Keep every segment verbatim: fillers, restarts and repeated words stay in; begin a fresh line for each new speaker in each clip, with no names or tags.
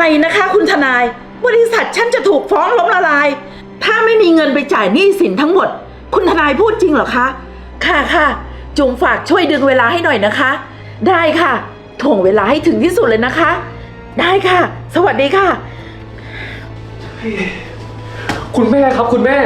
อะไรนะคะคุณทนายบริษัทฉันจะถูกฟ้องล้มละลายถ้าไม่มีเงินไปจ่ายหนี้สินทั้งหมดคุณทนายพูดจริงเหรอคะค่ะค่ะจุ๋มฝากช่วยดึงเวลาให้หน่อยนะคะได้ค่ะถ่วงเวลาให้ถึงที่สุดเลยนะคะได้ค่ะสวัสดีค่ะ
คุณแม่ครับคุณแม่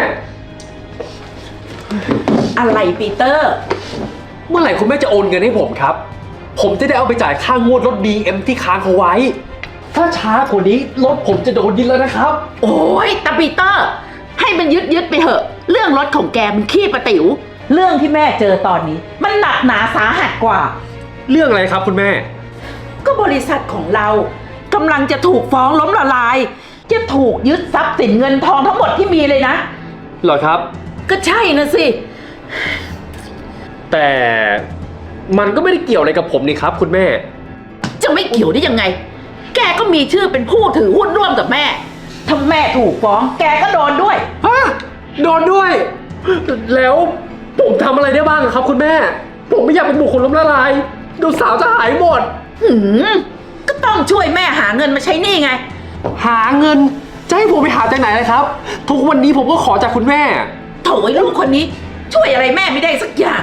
อะไรปีเตอร์
เมื่อไหร่คุณแม่จะโอนเงินให้ผมครับผมจะได้เอาไปจ่ายค่างวดรถ บี เอ็ม ที่ค้างเขาไว้ถ้าช้ากว่านี้รถผมจะโดนยึดแล้วนะครับ
โอ้ยตาปีเตอร์ให้มันยึดยึดไปเถอะเรื่องรถของแกมันขี้ประติ๋วเรื่องที่แม่เจอตอนนี้มันหนักหนาสาหัสกว่า
เรื่องอะไรครับคุณแม่
ก็บริษัทของเรากำลังจะถูกฟ้องล้มละลายจะถูกยึดทรัพย์สินเงินทองทั้งหมดที่มีเลยนะ
เหรอครับ
ก็ใช่นะสิ
แต่มันก็ไม่ได้เกี่ยวอะไรกับผมนี่ครับคุณแม่
จะไม่เกี่ยวได้ยังไงแกก็มีชื่อเป็นผู้ถือหุ้นร่วมกับแม่ถ้าแม่ถูกฟ้องแกก็โดนด้วย
ฮะโดนด้วยแล้วผมทำอะไรได้บ้างครับคุณแม่ผมไม่อยากเป็นบุคคลล้มละลายดูสาวจะหายหมด
หืมก็ต้องช่วยแม่หาเงินมาใช้หนี้ไง
หาเงินจะให้ผมไปหาจากไหนเลยครับทุกวันนี้ผมก็ขอจากคุณแม่
โถ่ไอ้ลูกคนนี้ช่วยอะไรแม่ไม่ได้สักอย่าง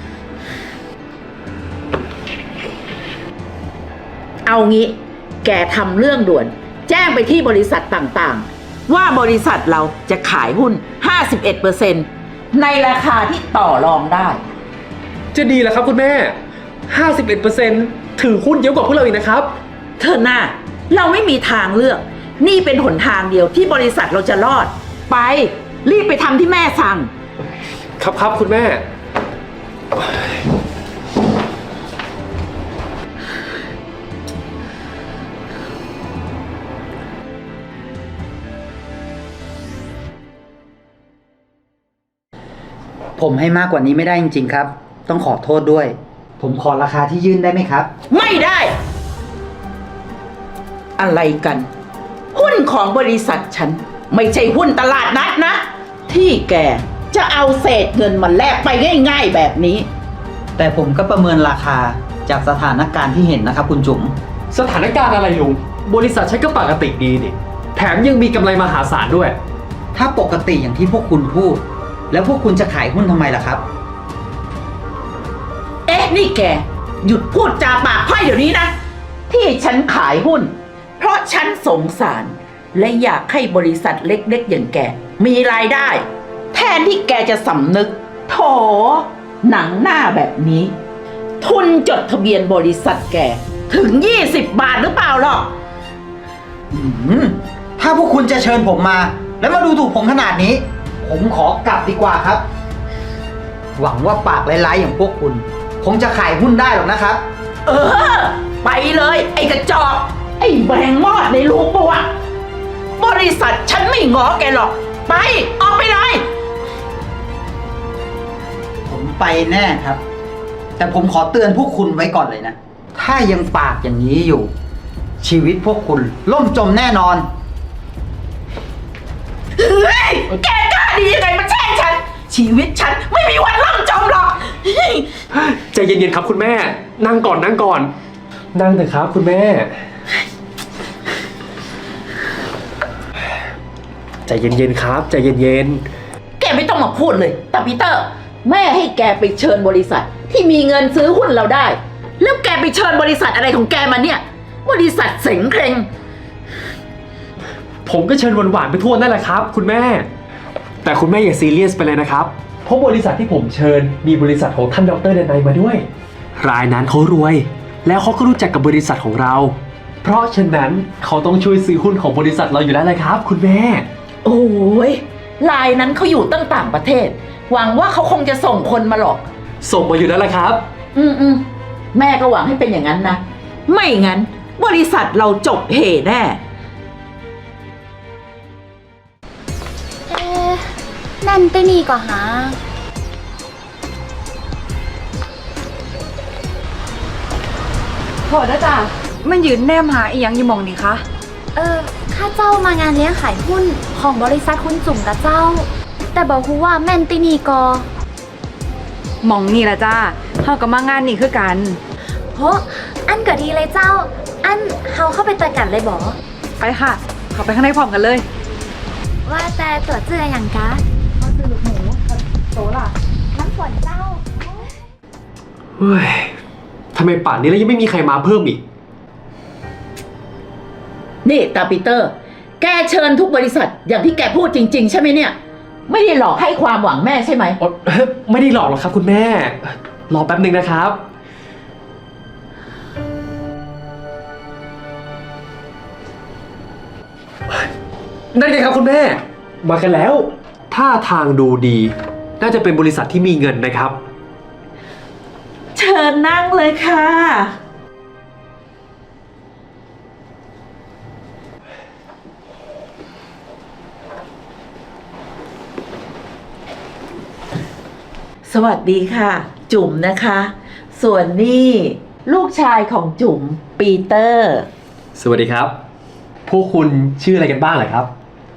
เอางี้แกทำเรื่องด่วนแจ้งไปที่บริษัทต่างๆว่าบริษัทเราจะขายหุ้น ห้าสิบเอ็ดเปอร์เซ็นต์ ในราคาที่ต่อรองได้
จะดีเหรอครับคุณแม่ ห้าสิบเอ็ดเปอร์เซ็นต์ ถือหุ้นเยอะกว่าพวกเราอีกนะครับ
เธอหน้าเราไม่มีทางเลือกนี่เป็นหนทางเดียวที่บริษัทเราจะรอดไปรีบไปทำที่แม่สั่ง
ครับครับคุณแม่
ผมให้มากกว่านี้ไม่ได้จริงๆครับต้องขอโทษด้วยผมขอราคาที่ยื่นได้ไหมครับ
ไม่ได้อะไรกันหุ้นของบริษัทฉันไม่ใช่หุ้นตลาดนัดนะที่แกจะเอาเศษเงินมาแลกไปง่ายๆแบบนี้
แต่ผมก็ประเมินราคาจากสถานการณ์ที่เห็นนะครับคุณจุ๋ม
สถานการณ์อะไรลุงบริษัทฉันก็ปกติดีนี่แถมยังมีกำไรมหาศาลด้วย
ถ้าปกติอย่างที่พวกคุณพูดแล้วพวกคุณจะขายหุ้นทำไมล่ะครับ
เอ๊ะนี่แกหยุดพูดจาปากค่อยเดี๋ยวนี้นะที่ฉันขายหุ้นเพราะฉันสงสารและอยากให้บริษัทเล็กๆอย่างแกมีรายได้แทนที่แกจะสำนึกโถหนังหน้าแบบนี้ทุนจดทะเบียนบริษัทแกถึงยี่สิบบาทหรือเปล่าหรอก
ถ้าพวกคุณจะเชิญผมมาแล้วมาดูถูกผมขนาดนี้ผมขอกลับดีกว่าครับหวังว่าปากร้ายๆอย่างพวกคุณคงจะขายหุ้นได้หรอกนะครับ
เออไปเลยไอ้กระจอกไอ้แบงมอดในลูกปะวะบริษัทฉันไม่ง้อแกหรอกไปออกไปเลย
ผมไปแน่ครับแต่ผมขอเตือนพวกคุณไว้ก่อนเลยนะถ้ายังปากอย่างนี้อยู่ชีวิตพวกคุณล่มจมแน่นอน
เฮ้ยแกกล้าดียังไงมาแช่งฉันชีวิตฉันไม่มีวันล่มจมหรอก
ใจเย็นๆครับคุณแม่นั่งก่อนนั่งก่อนนั่งเถอะครับคุณแม่ใจเย็นๆครับใจเย็น
ๆแกไม่ต้องมาพูดเลยแต่ปีเตอร์แม่ให้แกไปเชิญบริษัทที่มีเงินซื้อหุ้นเราได้แล้วแกไปเชิญบริษัทอะไรของแกมาเนี่ยบริษัทเสงเคร่ง
ผมก็เชิญหวานๆไปทั่วนั่นแหละครับคุณแม่แต่คุณแม่อย่าซีเรียสไปเลยนะครับเพราะบริษัทที่ผมเชิญมีบริษัทของท่านดร.เดนัยมาด้วยรายนั้นเขารวยแล้วเขาก็รู้จักกับบริษัทของเราเพราะฉะนั้นเขาต้องช่วยซื้อหุ้นของบริษัทเราอยู่แล้วเลยครับคุณแม่
โอ้ยรายนั้นเขาอยู่ตั้งต่างประเทศหวังว่าเขาคงจะส่งคนมาหรอก
ส่งมาอยู่แล้วละครับ
อืมอืมแม่ก็หวังให้เป็นอย่างนั้นนะไม่งั้นบริษัทเราจบเหแน่
เอ๊ะนั่นไปนี่ก่อนฮะ
โทษนะจ๊ะมันยืนแนมหาอีหยังอยู่มองนี่คะ
เออข้าเจ้ามางานเลี้ยงขายหุ้นของบริษัทคุณจุ๋มกับเจ้าแต่บอกฮู้ว่าแม่นตินี่กอ
มองนี่ละจ้าเฮากับมางานนี่คือกัน
โหอันก็ดีเลยเจ้าอันเฮาเข้าไปต่อยกันเลยบอ
ไปค่ะ เข้าไปข้างในพร้อมกันเลย
ว่าแต่ตัวเจืออย่างกะเขาซื้อลูกหมูกับโตล่ะ น้ำฝนเจ้า
เฮ้ยทำไมป่านนี้แล้วยังไม่มีใครมาเพิ่มอีก
นี่ตาปีเตอร์ แกเชิญทุกบริษัทอย่างที่แกพูดจริง ๆ ใช่ไหมเนี่ย ไม่ได้หลอกให้ความหวังแม่ใช่ไหม
อ๋อ ไม่ได้หลอกหรอกครับคุณแม่ รอแป๊บหนึ่งนะครับ นั่นไงครับคุณแม่ มากันแล้ว ท่าทางดูดี น่าจะเป็นบริษัทที่มีเงินนะครับ
เชิญนั่งเลยค่ะ สวัสดีค่ะ จุ๋มนะคะ ส่วนนี่ลูกชายของจุ๋มปีเตอร์
สวัสดีครับ พวกคุณชื่ออะไรกันบ้างเหรอครับ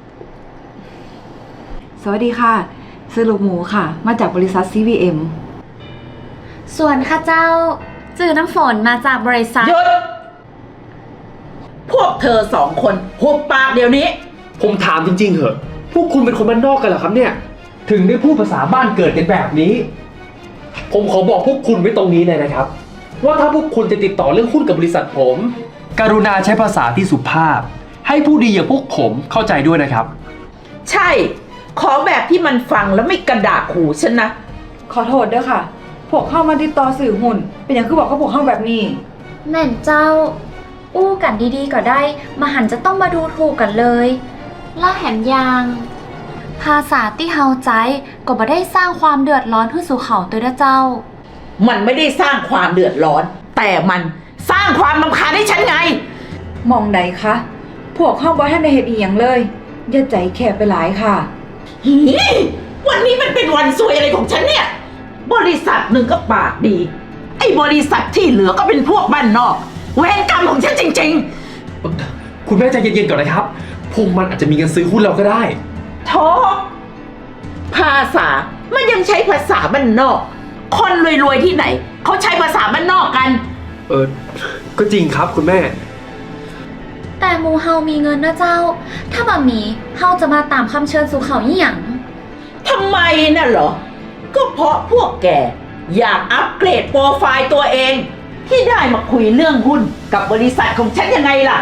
สวัสดีค่ะ ซื้อลูกหมูค่ะ มาจากบริษัท ซี วี เอ็ม
ส่วนข้าเจ้าจือน้ำฝนมาจากบริษัท
หยุด พวกเธอสองคนหุบปากเดี๋ยวนี้
ผมถามจริงๆเหอะ พวกคุณเป็นคนบ้านนอกกันเหรอครับเนี่ย ถึงได้พูดภาษาบ้านเกิดกันแบบนี้ ผมขอบอกพวกคุณไว้ตรงนี้เลยนะครับ ว่าถ้าพวกคุณจะติดต่อเรื่องหุ้นกับบริษัทผม กรุณาใช้ภาษาที่สุภาพ ให้ผู้ดีอย่างพวกผมเข้าใจด้วยนะครับ
ใช่ ขอแบบที่มันฟังแล้วไม่กระดากหูฉันนะ
ขอโทษด้วยค่ะ พวกเข้ามาติดต่อสื่อหุ่น เป็นอย่างคือบอกเขาพวกเข้าแบบนี้
แม่นเจ้า อู้กันดีๆก็ได้ มาหันจะต้องมาดูถูกกันเลยล่าแหมยาง ภาษาที่เฮาใจก็บ่ได้สร้างความเดือดร้อนให้สู่เขาตัวเด้อเจ้า
มันไม่ได้สร้างความเดือดร้อน แต่มันสร้างความรำคาญให้ฉันไง
มองใดคะ พวกเข้าบ่ให้ในเหตุอีหยังเลย อย่าใจแคบไปหลายค่ะ
หีวันนี้มันเป็นวันซวยอะไรของฉันเนี่ย บริษัทหนึ่งก็ปากดี ไอ้บริษัทที่เหลือก็เป็นพวกบ้านนอก เวรกรรมของฉันจริง
คุณแม่ใจเย็นๆก่อนนะครับ พวกมันอาจจะมีเงินซื้อหุ้นเราก็ได้
ๆโธ่ภาษา มันยังใช้ภาษาบ้านนอก คนรวยๆที่ไหน เขาใช้ภาษาบ้านนอกกัน
เออ ก็จริงครับคุณแม่
แต่หมูเฮามีเงินนะเจ้า ถ้าบ่มีเฮาจะมาตามคำเชิญสู่เขาอีหยัง
ทำไมน่ะเหรอ ก็เพราะพวกแกอยากอัปเกรดโปรไฟล์ตัวเอง ที่ได้มาคุยเรื่องหุ้นกับบริษัทของฉันยังไงล่ะ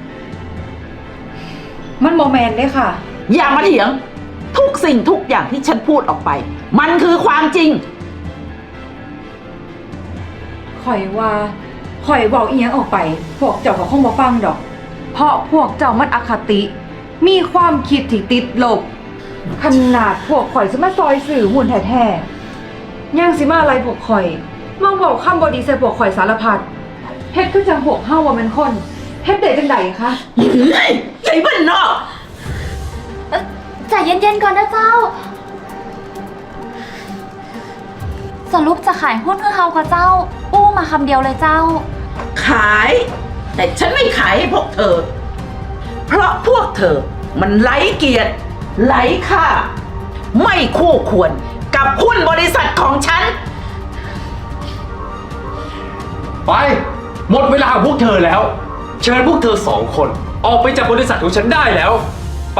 มันโมแมนเด้ค่ะ
อย่ามาเถียง ทุกสิ่งทุกอย่างที่ฉันพูดออกไป มันคือความจริง
ข่อยว่าข่อยบอกอีหยังออกไป พวกเจ้าก็คงบ่ฟังดอก เพราะพวกเจ้ามันอคติ มีความคิดที่ติดลบ ขนาดพวกข่อยสิมาซอยสื่อหุ่นแท้ๆย่างสิมาอะไรพวกข่อยมาบอกคำบดีใส่พวกข่อยสารพัดเฮ็ดคือจังพวกเฮาว่ามันคนเฮ็ดได้จังไดคะ
เฮ้ยใจบ้านนอก
เอ่อใจเย็นๆก่อนนะเจ้า สรุปจะขายหุ้นให้เฮากับเจ้า อู้มาคำเดียวเลยเจ้า
ขาย แต่ฉันไม่ขายให้พวกเธอ เพราะพวกเธอมันไร้เกียรติไร้ค่า ไม่คู่ควรกับหุ้นบริษัทของฉัน
ไป หมดเวลาของพวกเธอแล้ว เชิญพวกเธอสองคน ออกไปจากบริษัทของฉันได้แล้ว ไป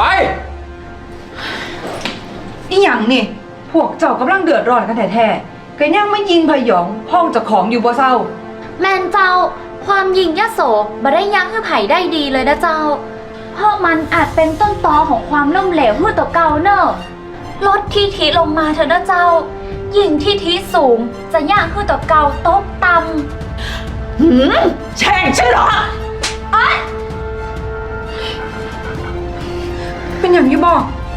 อีหยังนี่พวกเจ้ากำลังเดือดร้อนกันแท้ๆก็ยังไม่ยิงพยองห้องเจ้าของอยู่บ่เศร้า
แมนเจ้า ความยิงยโสบ่ได้ยั้งให้ไผ่ได้ดีเลยนะเจ้า เพราะมันอาจเป็นต้นตอของความล่มเหลวเมื่อตัวเก่าเนอะลดที่ทีลงมาเถอะนะเจ้า ยิ่งที่ทีสูงจะย่างขึ้นตัวเก่าตกต่ำ
หืมแช่งฉันเหรอ
เป็นอย่างที่บอก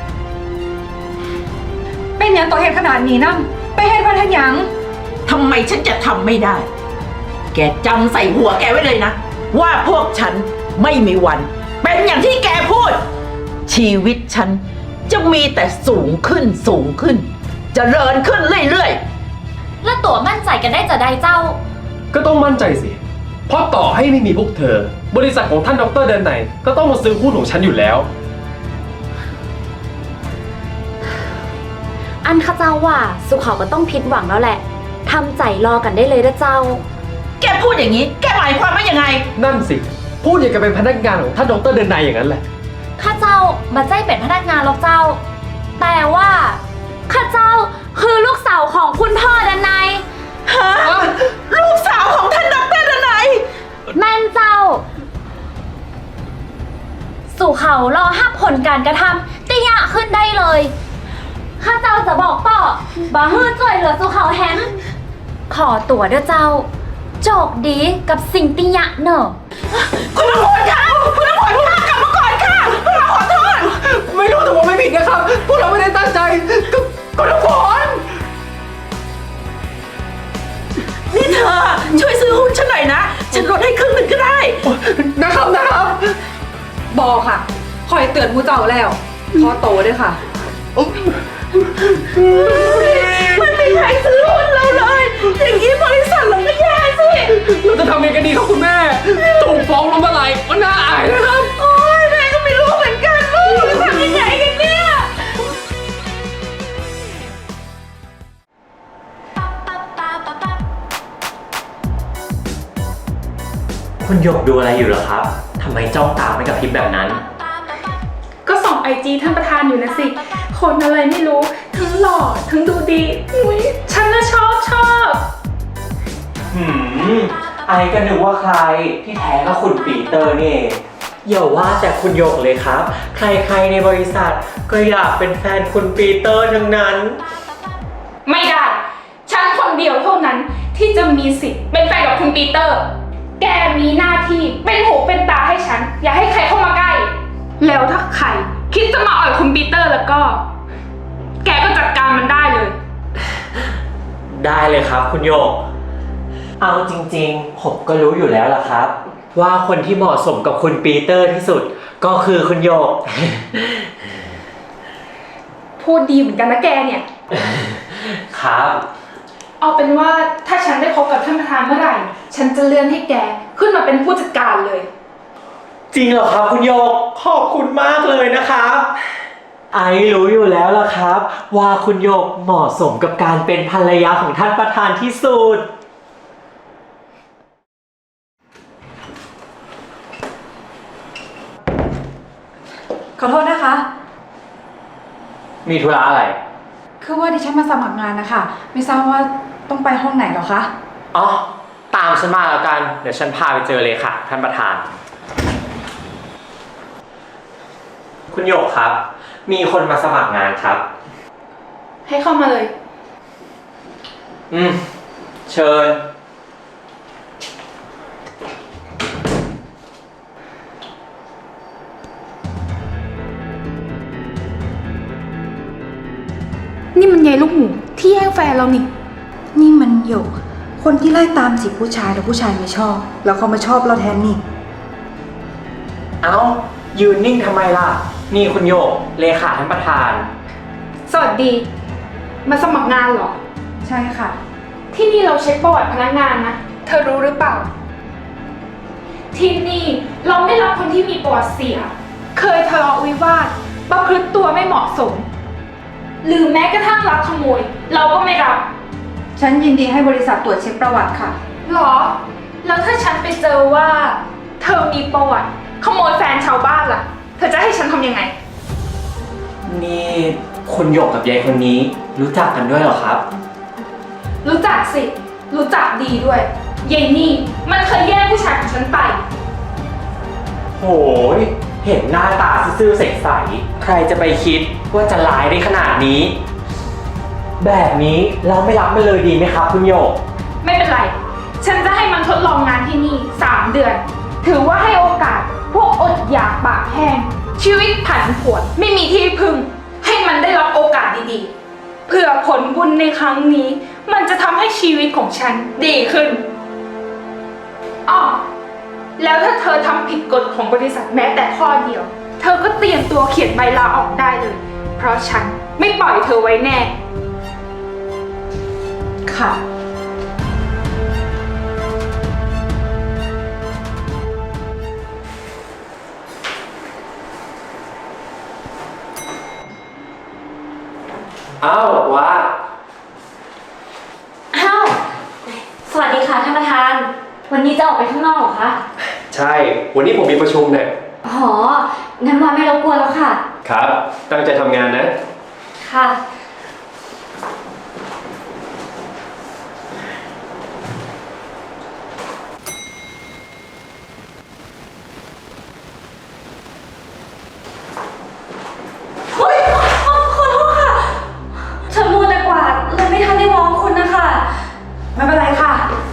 เป็นอย่างต่อเหตุขนาดนี้นะไปเหตุพันธหยัง
ทำไมฉันจะทำไม่ได้ แกจำใส่หัวแกไว้เลยนะ ว่าพวกฉันไม่มีวัน เป็นอย่างที่แกพูด ชีวิตฉันจะมีแต่สูงขึ้นสูงขึ้นจเจริญขึ้นเรื่อย
และตัวมั่นใจกันได้จะได้เจ้า
ก็ต้องมั่นใจสิ เพราะต่อให้ไม่มีพวกเธอ บริษัทของท่านดรเดินไหน ก็ต้องมาซื้อหุ้นของฉันอยู่แล้ว
อันข้าเจ้าว่าสุเขาก็ต้องผิดหวังแล้วแหละทำใจรอกันได้เลยนะเจ้า
ๆ แกพูดอย่างนี้ แกหมายความว่ายังไง
นั่นสิพูดอย่างกับเป็นพนักงานของท่านดรเดนไนอย่างนั้นแหละ
ข้าเจ้ามาใจเป็นพนักงานหรอกเจ้า แต่ว่าข้าเจ้าคือลูกสาวของคุณพ่อดันไน
ฮะ ลูกสาวของท่านดรดนัย
แม่นเจ้า สู่เขารอห้าผลการกระทำติยะขึ้นได้เลย ข้าเจ้าจะบอกต่อบาฮื้อจ่วยเหลือสู่เขาแฮมขอตัวเด้อเจ้า โจกดีกับสิ่งติยะเนอะ
คุณตำรวจคะคุณตำรวจพวกเรากลับมาก่อนค่ะพวกเราขอโทษ
ไม่รู้แต่ว่าไม่ผิดนะครับ พวกเราไม่ได้ตั้งใจก็ก็ทุกคน
นี่เธอช่วยซื้อหุ้นฉันหน่อยนะ ฉันลดให้ครึ่งหนึ่งก็ได้
นะครับนะครับ
บอค่ะคอยเตือนหมูเจ้าแล้วขอโตด้วยค่ะ
มันไม่มีใครซื้อหุ้นเราเลย อย่างนี้บริษัทเราก็แย่สิ
เราจะทำยังไงกันดีครับคุณแม่ถูกฟ้องล้มละลายก็น่าอายนะครับ
โอ้ยแม่ก็ไม่รู้เหมือนกันลูกจะทำยังไงกันเนี่ย
คุณหยกดูอะไรอยู่เหรอครับ ทำไมจ้องตาไม่กับพริบแบบนั้น
ก็ส่องไอจีท่านประธานอยู่นะสิ คนอะไรไม่รู้ ทั้งหล่อ ทั้งดูดีอุ๊ยฉันน่ะชอบชอบ
หืม ไอก็นึกว่าใครที่แท้ก็คุณปีเตอร์นี่เองอย่าว่าแต่คุณหยกเลยครับ ใครๆในบริษัทก็อยากเป็นแฟนคุณปีเตอร์ทั้งนั้น
ไม่ได้ ฉันคนเดียวเท่านั้นที่จะมีสิทธิ์เป็นแฟนกับคุณปีเตอร์ แกมีหน้าที่เป็นหูเป็นตาให้ฉัน อย่าให้ใครเข้ามาใกล้ แล้วถ้าใครคิดจะมาอ่อยคุณปีเตอร์แล้วก็ แกก็จัดการมันได้เลย
ได้เลยครับคุณหยก เอาจริงๆ ผมก็รู้อยู่แล้วล่ะครับ ว่าคนที่เหมาะสมกับคุณปีเตอร์ที่สุดก็คือคุณหยก
พูดดีเหมือนกันนะแกเนี่ย
ครับ
เอาเป็นว่าถ้าฉันได้พบกับท่านประธานเมื่อไหร่ ฉันจะเลื่อนให้แกขึ้นมาเป็นผู้จัดการเลย
จริงเหรอครับคุณโยกขอบคุณมากเลยนะครับ ไอรู้อยู่แล้วล่ะครับ ว่าคุณโยกเหมาะสมกับการเป็นภรรยาของท่านประธานที่สุด
ขอโทษนะคะ
มีธุระอะไร
คือว่าดิฉันมาสมัครงานนะคะ ไม่ทราบว่าต้องไปห้องไหนหรอคะ
อ๋อ ตามฉันมาแล้วกัน เดี๋ยวฉันพาไปเจอเลยค่ะ ท่านประธาน คุณโยกครับ มีคนมาสมัครงานครับ
ให้เข้ามาเลย
อืม เชิญ
นี่มันยายลูกหมูที่แย่งแฟนเรานี่
นี่มันหยก คนที่ไล่ตามจีบผู้ชายแล้วผู้ชายไม่ชอบ แล้วเขามาชอบเราแทนนี่
เอ้า ยืนนิ่งทำไมล่ะ นี่คุณโยก เลขาท่านประธาน
สวัสดี มาสมัครงานเหรอ
ใช่ค่ะ
ที่นี่เราเช็คประวัติพนักงานนะ เธอรู้หรือเปล่า ที่นี่เราไม่รับคนที่มีประวัติเสีย เคยทะเลาะวิวาท ประพฤติตัวไม่เหมาะสม หรือแม้กระทั่งลักขโมย เราก็ไม่รับ
ฉันยินดีให้บริษัทตรวจเช็คประวัติค่ะ
หรอ แล้วถ้าฉันไปเจอว่า เธอมีประวัติ ขโมยแฟนชาวบ้านล่ะ เธอจะให้ฉันทำยังไง
นี่คุณโยกกับยายคนนี้รู้จักกันด้วยเหรอครับ
รู้จักสิ รู้จักดีด้วยยายนี่มันเคยแย่งผู้ชายของฉันไป
โหย เห็นหน้าตาซื่อๆใสๆใครจะไปคิดว่าจะร้ายได้ขนาดนี้ แบบนี้เราไม่รับมันเลยดีไหมครับคุณโยก
ไม่เป็นไร ฉันจะให้มันทดลองงานที่นี่สามเดือน ถือว่าให้โอกาสพวกอดอยากปากแห้ง ชีวิตผันผวนไม่มีที่พึ่ง ให้มันได้รับโอกาสดีๆ เพื่อผลบุญในครั้งนี้ มันจะทำให้ชีวิตของฉันดีขึ้นอ้อแล้วถ้าเธอทำผิดกฎของบริษัทแม้แต่ข้อเดียว เธอก็เตรียมตัวเขียนใบลาออกได้เลย เพราะฉันไม่ปล่อยเธอไว้แน่
ค่ะ
อ้าวว่า
อ้าว สวัสดีค่ะท่านประธาน วันนี้จะออกไปข้างนอกเหรอคะ
ใช่ วันนี้ผมมีประชุมเนี่ย
อ๋อ งั้นวาไม่รบกวนแล้วค่ะ
ครับ ตั้งใจทำงานนะ
ค่ะ เฮ้ยขอขอโทษค่ะ ฉันมัวแต่กวาดเลยไม่ทันได้มองคุณนะคะ
ไม่เป็นไรค่ะ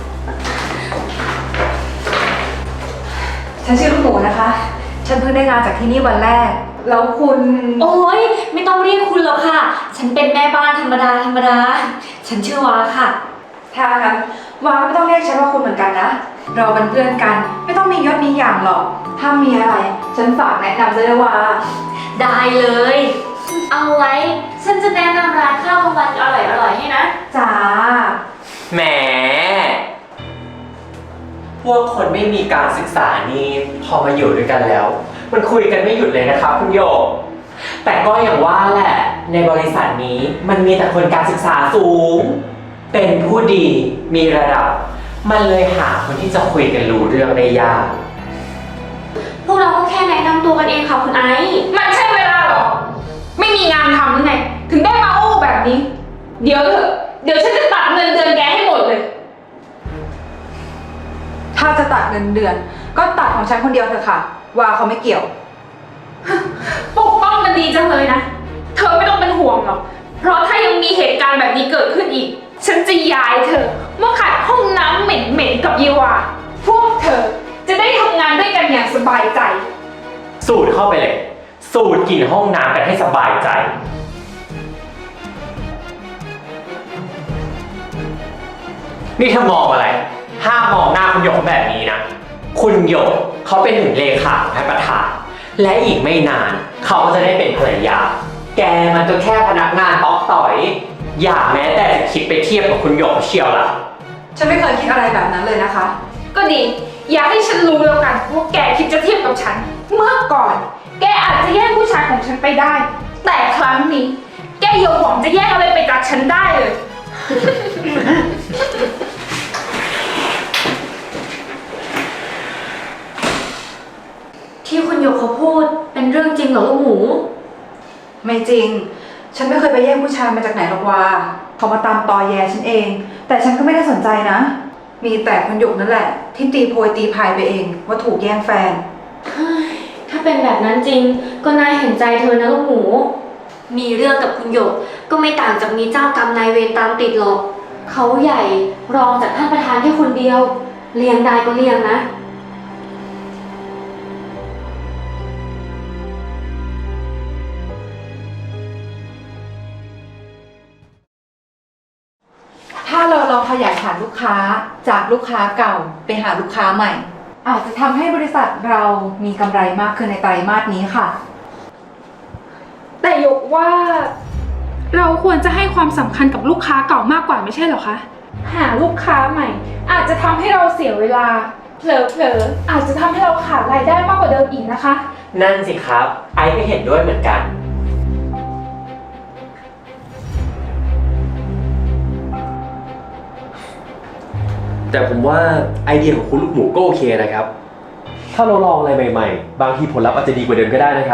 ฉันชื่อลูกหมูนะคะ ฉันเพิ่งได้งานจากที่นี่วันแรก แล้วคุณ
โอ้ยไม่ต้องเรียกคุณหรอกค่ะ ฉันเป็นแม่บ้านธรรมดาธรรมดา ฉันชื่อวาค่ะ
ถ้างั้นวาไม่ต้องเรียกฉันว่าคุณเหมือนกันนะ เราเป็นเพื่อนกัน ไม่ต้องมียศมีอย่างหรอก ถ้ามีอะไร ฉันฝากแนะนำเลยว่า
ได้เลย เอาไว้ ฉันจะแนะนำร้านข้าวกลางวันอร่อยๆให้นะ
จ้า
แหม พวกคนไม่มีการศึกษานี่พอมาอยู่ด้วยกันแล้ว มันคุยกันไม่หยุดเลยนะครับคุณโยก แต่ก็อย่างว่าแหละ ในบริษัทนี้มันมีแต่คนการศึกษาสูง เป็นผู้ดีมีระดับ มันเลยหาคนที่จะคุยกันรู้เรื่องได้ยาก
พวกเราก็แค่แนะนำตัวกันเองค่ะคุณไอซ์
มันใช่เวลาเหรอ ไม่มีงานทำหรือไง ถึงได้มาโอ้แบบนี้ เดี๋ยวเถอะ เดี๋ยวฉันจะตัดเงินเดือนแกให้หมดเลย
ถ้าจะตัดเงินเดือน ก็ตัดของฉันคนเดียวเถอะค่ะ วาเขาไม่เกี่ยว
ปกป้องกันดีจังเลยนะ เธอไม่ต้องเป็นห่วงหรอก เพราะถ้ายังมีเหตุการณ์แบบนี้เกิดขึ้นอีก ฉันจะย้ายเธอมาขัดห้องน้ำเหม็นๆกับเยวา พวกเธอจะได้ทำงานด้วยกันอย่างสบายใจ
สูดเข้าไปเลย สูดกลิ่นห้องน้ำกันให้สบายใจ นี่เธอมองอะไร ห้ามมองหน้าคุณหยกแบบนี้นะ คุณหยกเขาเป็นถึงเลขาของท่านประธาน และอีกไม่นานเขาก็จะได้เป็นภรรยา แกมันก็แค่พนักงานต๊อกต่อย อย่าแม้แต่จะคิดไปเทียบกับคุณหยกเชียวล่ะ
ฉันไม่เคยคิดอะไรแบบนั้นเลยนะคะ
ก็ดี อย่าให้ฉันรู้แล้วกันว่าแกคิดจะเทียบกับฉัน เมื่อก่อน แกอาจจะแย่งผู้ชายของฉันไปได้ แต่ครั้งนี้ แกอย่าหวังจะแย่งอะไรไปจากฉันได้เลย
ที่คุณหยกเขาพูดเป็นเรื่องจริงเหรอลูกหมู
ไม่จริง ฉันไม่เคยไปแย่งผู้ชายมาจากไหนหรอกวาเขามาตามตอแยฉันเอง แต่ฉันก็ไม่ได้สนใจนะ มีแต่คุณหยกนั่นแหละ ที่ตีโพยตีพายไปเองว่าถูกแย่งแฟน
ถ้าเป็นแบบนั้นจริงก็น่าเห็นใจเธอนะลูกหมู มีเรื่องกับคุณหยกก็ไม่ต่างจากมีเจ้ากรรมนายเวรตามติดหรอก เขาใหญ่รองจากท่านประธานแค่คนเดียว เลี้ยงได้ก็เลี้ยงนะ
ถ้าเราลองขยายฐานลูกค้าจากลูกค้าเก่าไปหาลูกค้าใหม่ อาจจะทำให้บริษัทเรามีกำไรมากขึ้นในไตรมาสนี้ค่ะ
แต่ยกว่า เราควรจะให้ความสำคัญกับลูกค้าเก่ามากกว่าไม่ใช่เหรอคะ หาลูกค้าใหม่ อาจจะทำให้เราเสียเวลา เผลอๆอาจจะทำให้เราขาดรายได้มากกว่าเดิมอีกนะคะ
นั่นสิครับ ไอ้ก็เห็นด้วยเหมือนกัน
แต่ผมว่าไอเดียของคุณลูกหมูก็โอเคนะครับ ถ้าเราลองอะไรใหม่ๆ บางทีผลลัพธ์อาจจะดีกว่าเดิมก็ได้นะครับ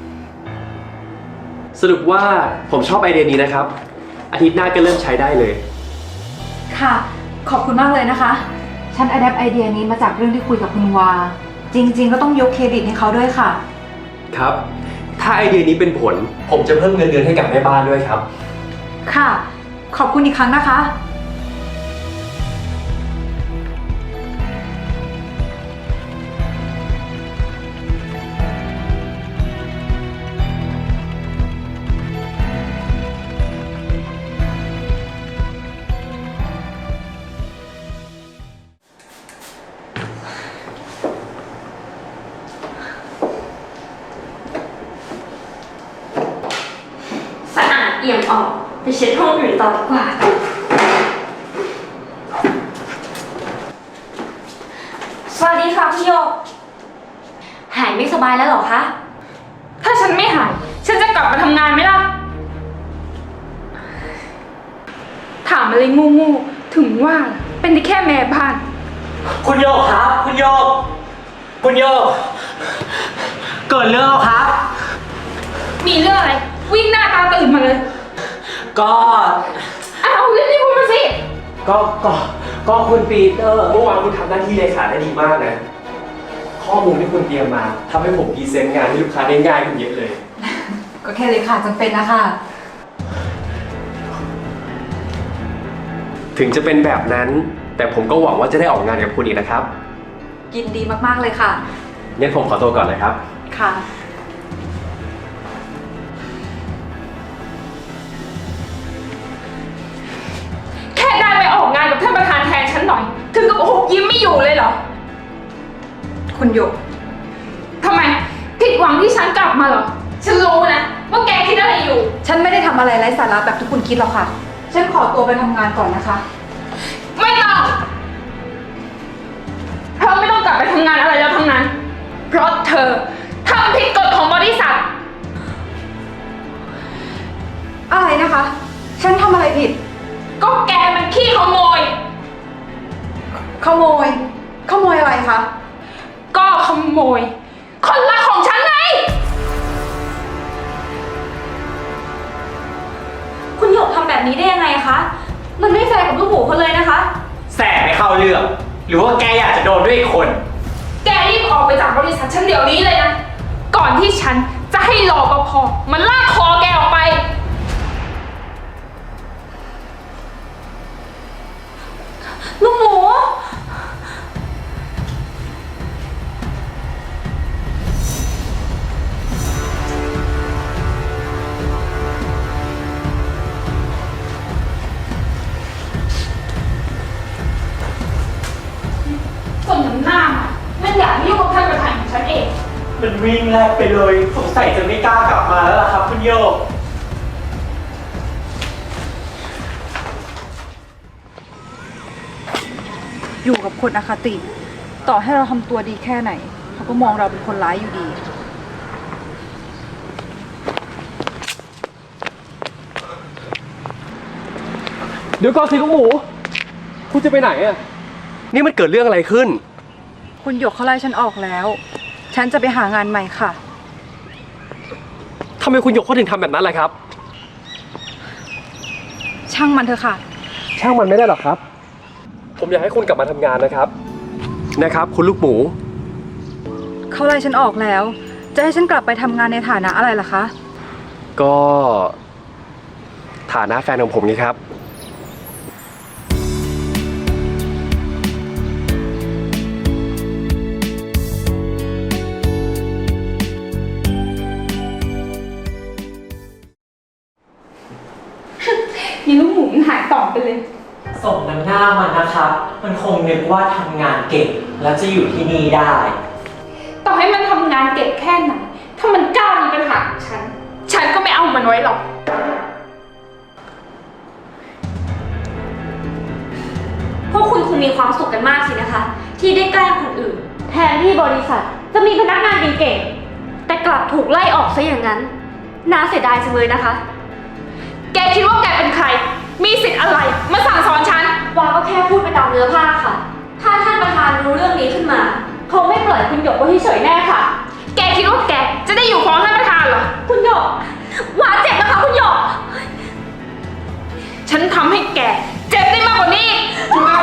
สรุปว่าผมชอบไอเดียนี้นะครับ อาทิตย์หน้าก็เริ่มใช้ได้เลย
ค่ะ ขอบคุณมากเลยนะคะ ฉันอัดแอปไอเดียนี้มาจากเรื่องที่คุยกับคุณวา จริงๆ ก็ต้องยกเครดิตให้เขาด้วยค่ะ
ครับ ถ้าไอเดียนี้เป็นผล ผมจะเพิ่มเงินเดือนให้กับแม่บ้านด้วยครับ
ค่ะ ขอบคุณอีกครั้งนะคะ
สะอาดเอี่ยมออกไปเช็ดห้องอื่นต่อดีกว่า สวัสดีค่ะพี่โยก หายไม่สบายแล้วเหรอคะ
ถ้าฉันไม่หาย ฉันจะกลับมาทำงานไหมล่ะ ถามอะไรงูๆถึงว่าเป็นได้แค่แม่บ้าน
คุณโยกครับ คุณโยกคุณโยก เกิดเรื่องแล้วครับ
มีเรื่องอะไร วิ่งหน้าตาตื่นมาเลย
ก็
อ้าวรีบๆพูดมาสิ
ก็ ก็ ก็คุณปีเตอร์
เมื่อวานคุณทำหน้าที่เลขาได้ดีมากนะ ข้อมูลที่คุณเตรียมมาทำให้ผมพรีเซนต์งานให้ลูกค้าได้ง่ายขึ้นเยอะเลย
ก็แค่เลยค่ะจำเป็นนะคะ
ถึงจะเป็นแบบนั้น แต่ผมก็หวังว่าจะได้ออกงานกับคุณอีกนะครับ
ยินดีมากๆเลยค่ะ
งั้นผมขอตัวก่อนนะครับ
ค่ะ
แค่ได้ไปออกงานกับท่านประธานแทนฉันหน่อย ถึงกับหุบยิ้มไม่อยู่เลยเหรอ
คุณหยก
ทำไม ผิดหวังที่ฉันกลับมาเหรอ ฉันรู้นะว่าแกคิดอะไรอยู่
ฉันไม่ได้ทำอะไรไร้สาระแบบที่คุณคิดหรอกค่ะ ฉันขอตัวไปทำงานก่อนนะคะ
ไม่ต้องเธอไม่ต้องกลับไปทำงานอะไรแล้วทั้งนั้น เพราะเธอทำผิดกฎของบริษัท
อะไรนะคะ ฉันทำอะไรผิด
ก็แกมันขี้ขโมย
ขโมย ขโมยอะไรคะ
ก็ขโมย คนรักของฉันไง
คุณหยกทำแบบนี้ได้ยังไงคะ มันไม่แฟร์กับลูกหมูเขาเลยนะคะ
แสไม่เข้าเรื่อง หรือว่าแกอยากจะโดนด้วยอีกคน
แกรีบออกไปจากบริษัทฉันเดี๋ยวนี้เลยนะ ก่อนที่ฉันจะให้รอปภมันลากคอแกออกไป
ลูกหมู
ส่วนน้ำหน้ามันมันอยากให้ยุ่งกับท่านประธานของฉันเอง
มันวิ่งแลกไปเลยสงสัยจะไม่กล้ากลับมาแล้วล่ะครับคุณโยก
อยู่กับคนอคติ ต่อให้เราทำตัวดีแค่ไหน เขาก็มองเราเป็นคนร้ายอยู่ดี
เดี๋ยวก่อนสิลูกหมู คุณจะไปไหนอ่ะ นี่มันเกิดเรื่องอะไรขึ้น
คุณหยกเขาไล่ฉันออกแล้ว ฉันจะไปหางานใหม่ค่ะ
ทำไมคุณหยกเขาถึงทำแบบนั้นล่ะครับ
ช่างมันเถอะค่ะ
ช่างมันไม่ได้หรอกครับ ผมอยากให้คุณกลับมาทำงานนะครับ นะครับ คุณลูกหมู
เขาไล่ฉันออกแล้ว จะให้ฉันกลับไปทำงานในฐานะอะไรล่ะคะ
ก็ฐานะแฟนของผมไงครับ
มีลูกหมูมันหายต่อไปเลย
ส่งน้ำหน้ามันนะครับ มันคงนึกว่าทำงานเก่ง แล้วจะอยู่ที่นี่ได้
ต่อให้มันทำงานเก่งแค่ไหน ถ้ามันกล้ามีปัญหากับฉัน ฉันก็ไม่เอามันไว้หรอก
พวกคุณคงมีความสุขกันมากสินะคะ ที่ได้แกล้งคนอื่น แทนที่บริษัทจะมีพนักงานเก่งๆแต่กลับถูกไล่ออกซะอย่างนั้นน่าเสียดายจังเลยนะคะ
แกคิดว่าแกเป็นใคร มีสิทธิ์อะไร มาสั่งสอนฉัน
วาก็แค่พูดไปตามเนื้อผ้าค่ะ ถ้าท่านประธานรู้เรื่องนี้ขึ้นมาคงไม่ปล่อยคุณหยกไว้เฉยๆแน่ค่ะ
แกคิดว่าแกจะได้อยู่ฟ้องท่านประธานเหรอ
คุณหยกวาเจ็บนะคะคุณหยก
ฉันทำให้แกเจ็บได้มากกว่านี้อีก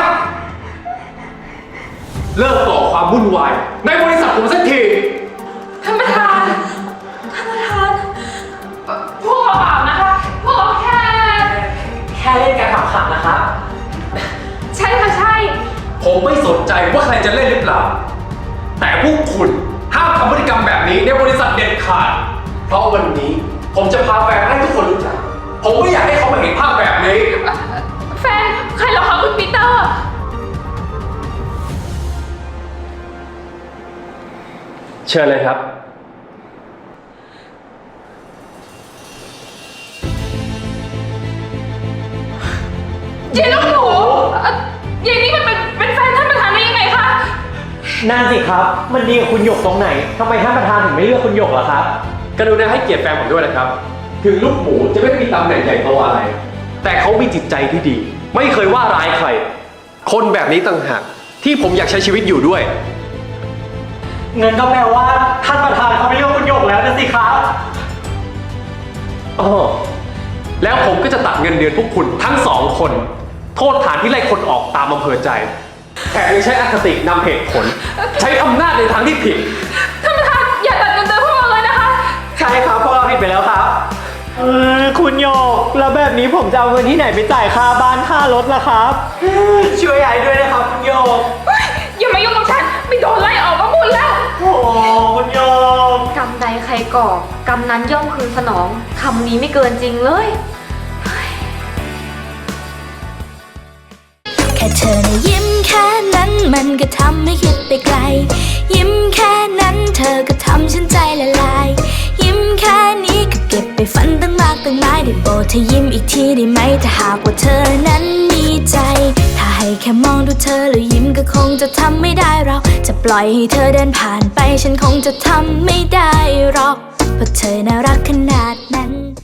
เลิกก่อความวุ่นวายในบริษัทผมสักที
ท่านประธาน
ท่านประธาน
พวกเราเปล่านะคะ พวกเราแค่
แค่เล่นกันขำๆนะครับ
ใช่ค่ะใช่
ผมไม่สนใจว่าใครจะเล่นหรือเปล่า แต่พวกคุณห้ามทำพฤติกรรมแบบนี้ในบริษัทเด็ดขาด เพราะวันนี้ผมจะพาแฟนให้ทุกคนรู้จัก ผมไม่อยากให้เขามาเห็นภาพแบบนี้
แฟน ใครเหรอคะคุณปีเตอร์
เชิญเลยครับ
เย็นลูกหนูเอ่อเย็นนี่มันเป็นเป็นแฟนท่านประธานได้ยังไงคะ
นั่นสิครับ มันดีกับคุณหยกตรงไหนทำไมท่านประธานถึงไม่เลือกคุณหยกล่ะครับ
กรุณาให้เกียรติแฟนผมด้วยนะครับ ถึงลูกหมูจะไม่มีตำแหน่งใหญ่โตอะไร แต่เขามีจิตใจที่ดี ไม่เคยว่าร้ายใคร คนแบบนี้ต่างหากที่ผมอยากใช้ชีวิตอยู่ด้วย
เงินก็แปลว่าท่านประธานเขาไม่เลือกคุณหยกแล้วนะสิครับ
อ๋อแล้วผมก็จะตัดเงินเดือนพวกคุณทั้งสองคน โทษฐานที่ไล่คนออกตามอำเภอใจแถมยังใช้อคตินำเหตุผล ใช้อำนาจในทางที่ผิด
ท่านประธานอย่าตัดเงินเดือนพวกเราเลยนะคะ
ใช่ครับพวกเราผิดไปแล้วครับเออคุณโยกแล้วแบบนี้ผมจะเอาเงินที่ไหนไปจ่ายค่าบ้านค่ารถล่ะครับ ช่วยไอ้ด้วยนะครับคุณโยก
อย่ามายุ่งกับฉัน ไม่โดนไล่ออกก็บุญแล้ว
โอ้คุณโยก
กรรมใดใครก่อกรรมนั้นย่อมคืนสนองคำนี้ไม่เกินจริงเลย
แค่เธอนะยิ้มแค่นั้นมันก็ทำให้คิดไปไกล ยิ้มแค่นั้นเธอก็ทำฉันใจละลาย ยิ้มแค่นี้ก็เก็บไปฝันตั้งมากตั้งหลายได้โปรดเธอยิ้มอีกทีได้ไหมถ้าหากว่าเธอนั้นมีใจ ถ้าให้แค่มองดูเธอแล้วยิ้มก็คงจะทำไม่ได้เราจะปล่อยให้เธอเดินผ่านไปฉันคงจะทำไม่ได้หรอกเพราะเธอน่ารักขนาดนั้น